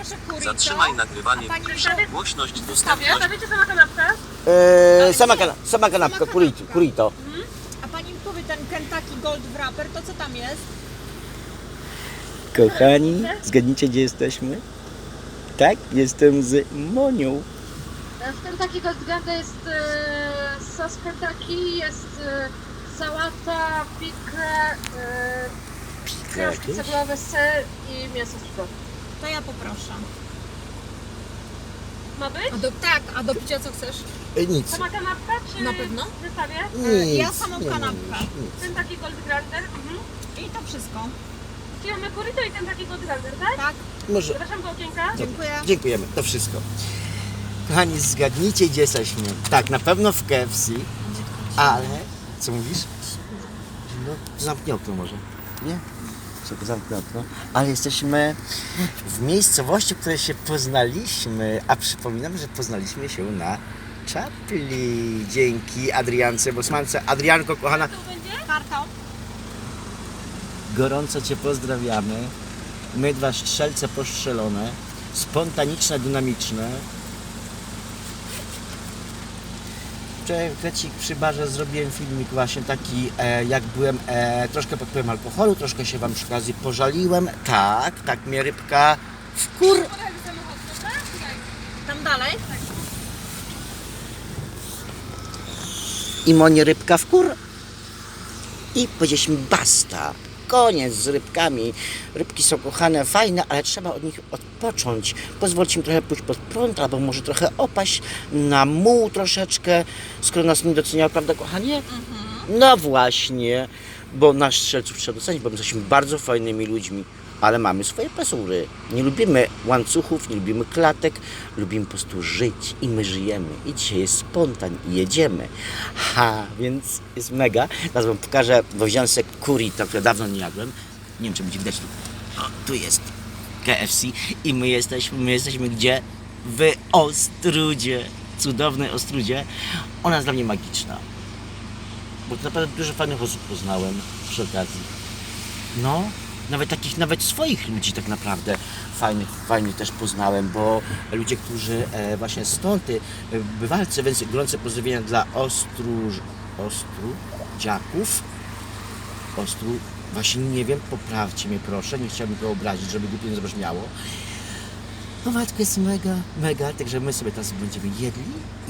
poproszę kurito. Zatrzymaj nagrywanie. A pani Głośność Stawię? dostępność. Stawiacie sama kanapkę? Sama kanapka, kurito. A pani mi powie, ten Kentucky Gold Wrapper, to co tam jest? Kochani, zgadnijcie gdzie jesteśmy? Tak, jestem z Monią. W Kentucky Gold Ganda jest sos Kentucky, jest sałata, pikle, krążki jakieś? cebulawe, ser i mięso suszone. To ja poproszę. Ma być? A do picia co chcesz? Nic. Sama kanapka czy Na pewno? w zestawie? Nic. Ja samą nie kanapkę. mówisz, nic. Kentucky Gold Grander. I to wszystko. Czyli mamy burrito i Kentucky Gold Grander, tak? Tak, Może. Zapraszam do okienka. dziękuję. Dziękujemy, to wszystko. Kochani, zgadnijcie gdzie jesteśmy. Tak, na pewno w KFC, ale... Co mówisz? No, zamknij okno może. Nie? Czekaj, zamknij okno. Ale jesteśmy w miejscowości, w której się poznaliśmy, a przypominam, że poznaliśmy się na czapli. Dzięki Adriance Bosmance. Adrianko, kochana, Kartą. gorąco Cię pozdrawiamy. My dwa strzelce postrzelone, spontaniczne, dynamiczne. Wczoraj przy barze zrobiłem filmik właśnie taki, jak byłem troszkę pod wpływem alkoholu, troszkę się Wam przy okazji pożaliłem. Tak mnie rybka Tam dalej? i monie rybka w kur. I powiedzieliśmy basta, koniec z rybkami. Rybki są kochane, fajne, ale trzeba od nich odpocząć. Pozwólcie im trochę pójść pod prąd, albo może trochę opaść na muł troszeczkę, skoro nas nie doceniają, prawda kochanie? No właśnie, bo nasz strzelców trzeba docenić, bo my jesteśmy bardzo fajnymi ludźmi, ale mamy swoje pasury. Nie lubimy łańcuchów, nie lubimy klatek, lubimy po prostu żyć i my żyjemy. I dzisiaj jest spontan i jedziemy. Więc jest mega. Teraz Wam pokażę, bo wziąłem sobie kurito, które dawno nie jadłem. Nie wiem, czy będzie widać tu. O, tu jest KFC i my jesteśmy gdzie? W Ostrudzie. Cudownej Ostrudzie. Ona jest dla mnie magiczna. Bo to naprawdę dużo fajnych osób poznałem przy okazji. No, nawet swoich ludzi tak naprawdę fajnych też poznałem, bo ludzie, którzy właśnie stąd, bywalcy, więc gorące pozdrowienia dla właśnie nie wiem, poprawcie mnie proszę, nie chciałbym go obrazić, żeby głupio nie zabrzmiało. No Waldko jest mega, także my sobie teraz będziemy jedli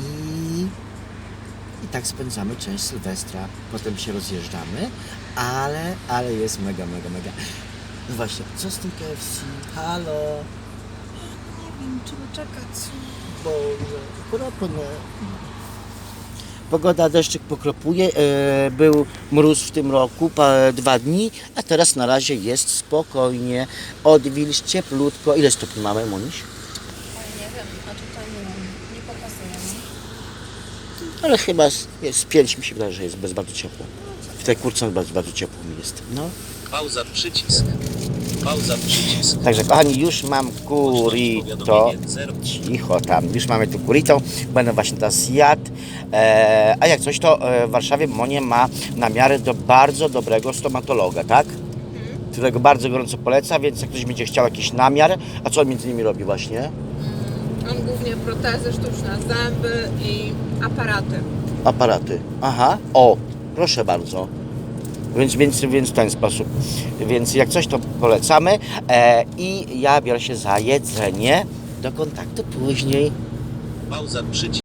i tak spędzamy część Sylwestra, potem się rozjeżdżamy, ale jest mega. No właśnie, co z tym KFC? Halo? Nie wiem, trzeba czekać. Boże, kropne. Pogoda, deszczyk pokropuje, był mróz w tym roku, 2 dni, a teraz na razie jest spokojnie, odwilż, cieplutko. Ile stopni mamy, Moniś? Nie wiem, a tutaj nie pokazuję. Ale chyba jest 5, mi się wydaje, że jest bardzo ciepło. W tej kurce bardzo ciepło mi jest. No. Pauza przycisk. Pauza przycisk. Także kochani, już mam kurito. Cicho tam, już mamy tu kurito. Będę właśnie teraz jadł. A jak coś, to w Warszawie Monia ma namiary do bardzo dobrego stomatologa, tak? Którego bardzo gorąco poleca, więc jak ktoś będzie chciał jakiś namiar, a co on między nimi robi właśnie? On głównie protezy sztuczne, zęby i aparaty. Aparaty. Aha, o, proszę bardzo. Więc w ten sposób. Więc jak coś, to polecamy. I ja biorę się za jedzenie. Do kontaktu później. Pauza przycisk.